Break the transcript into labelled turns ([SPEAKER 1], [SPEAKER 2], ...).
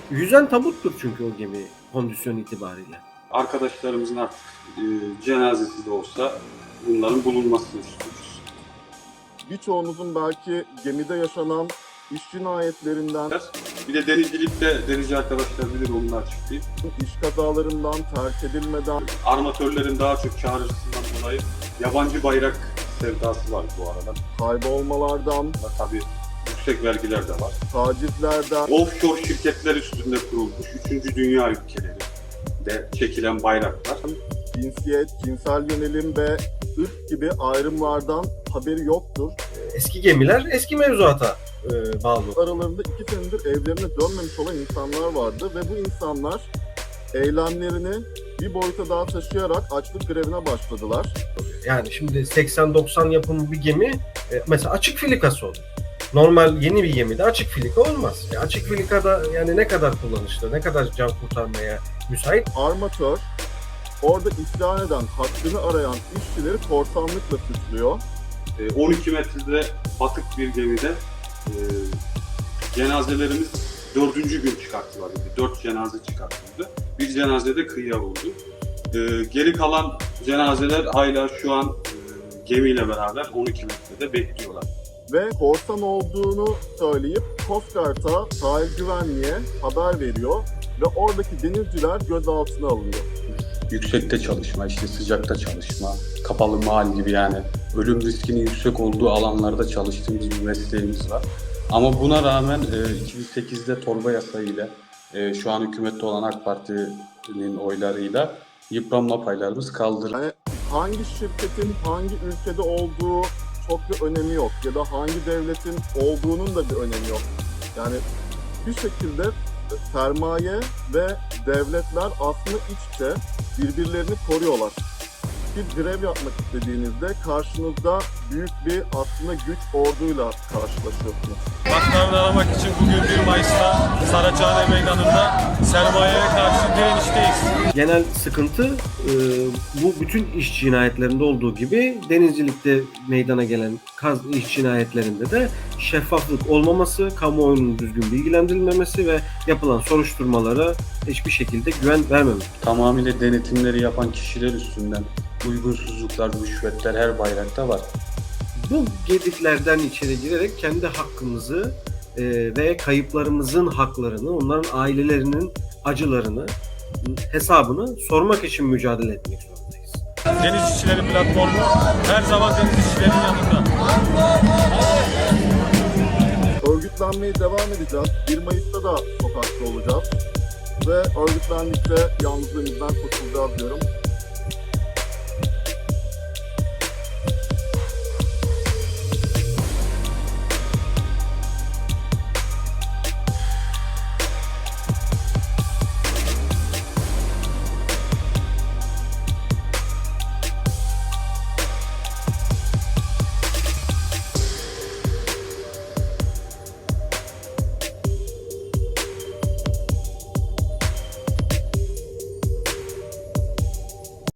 [SPEAKER 1] Yüzen tabuttur çünkü o gemi kondisyon itibariyle.
[SPEAKER 2] Arkadaşlarımızın artık cenazesi de olsa bunların bulunmasını istiyoruz.
[SPEAKER 3] Birçoğumuzun belki gemide yaşanan iş cinayetlerinden,
[SPEAKER 2] Bir de denizcilikte denizci arkadaşlar bilir, onu da açıklayayım.
[SPEAKER 3] iş kazalarından, terk edilmeden,
[SPEAKER 2] Armatörlerin daha çok çağrısından dolayı yabancı bayrak sevdası var bu arada.
[SPEAKER 3] kaybolmalardan,
[SPEAKER 2] Tabii yüksek vergiler de var.
[SPEAKER 3] tacizlerden,
[SPEAKER 2] Offshore şirketler üstünde kurulmuş 3. dünya ülkeleri de çekilen bayraklar.
[SPEAKER 3] cinsiyet, cinsel yönelim ve ırk gibi ayrımlardan haberi yoktur.
[SPEAKER 1] Eski gemiler eski mevzuata bağlı.
[SPEAKER 3] Aralarında 2 senedir evlerine dönmemiş olan insanlar vardı ve bu insanlar eylemlerini bir boyuta daha taşıyarak açlık grevine başladılar.
[SPEAKER 1] Yani şimdi 80-90 yapımı bir gemi mesela açık filikası olur. Normal yeni bir gemide açık filika olmaz. Açık filikada yani ne kadar kullanışlı, ne kadar can kurtarmaya müsait.
[SPEAKER 3] Armatör orada isyan eden, hakkını arayan işçileri korsanlıkla suçluyor.
[SPEAKER 2] 12 metrede batık bir gemide cenazelerimiz 4. gün çıkarttılar. 4 cenaze çıkartıldı. Bir cenaze de kıyıya vurdu. Geri kalan cenazeler hala şu an gemiyle beraber 12 metrede bekliyorlar.
[SPEAKER 3] Ve korsan olduğunu söyleyip Coast Guard'a, sahil güvenliğe haber veriyor ve oradaki denizciler gözaltına alınıyor.
[SPEAKER 2] Yüksekte çalışma, işte sıcakta çalışma, kapalı mahal gibi, yani ölüm riskinin yüksek olduğu alanlarda çalıştığımız bir mesleğimiz var. Ama buna rağmen 2008'de torba yasayla, şu an hükümette olan AK Parti'nin oylarıyla yıpranma paylarımız kaldırıldı.
[SPEAKER 3] Yani hangi şirketin hangi ülkede olduğu çok bir önemi yok ya da hangi devletin olduğunun da bir önemi yok. Yani bir şekilde sermaye ve devletler aslında iç içe birbirlerini koruyorlar. Bir grev yapmak istediğinizde karşınızda büyük bir aslında güç orduyla karşılaşıyorsunuz.
[SPEAKER 4] Haklarını aramak için bugün 1 Mayıs'ta Saraçhane Meydanı'nda sermayeye karşı direnişteyiz.
[SPEAKER 1] Genel sıkıntı bu bütün iş cinayetlerinde olduğu gibi denizcilikte meydana gelen iş cinayetlerinde de şeffaflık olmaması, kamuoyunun düzgün bilgilendirilmemesi ve yapılan soruşturmalara hiçbir şekilde güven vermemek.
[SPEAKER 2] Tamamıyla denetimleri yapan kişiler üstünden uygunsuzluklar, rüşvetler her bayrakta var.
[SPEAKER 1] Bu gediklerden içeri girerek kendi hakkımızı ve kayıplarımızın haklarını, onların ailelerinin acılarını, hesabını sormak için mücadele etmek zorundayız.
[SPEAKER 4] Deniz İşçileri Platformu her zaman deniz işçilerinin yanında.
[SPEAKER 3] Örgütlenmeye devam edeceğiz. 1 Mayıs'ta da sokakta olacağız. Ve örgütlendikçe yalnızlığımızdan kurtulacağız diyorum.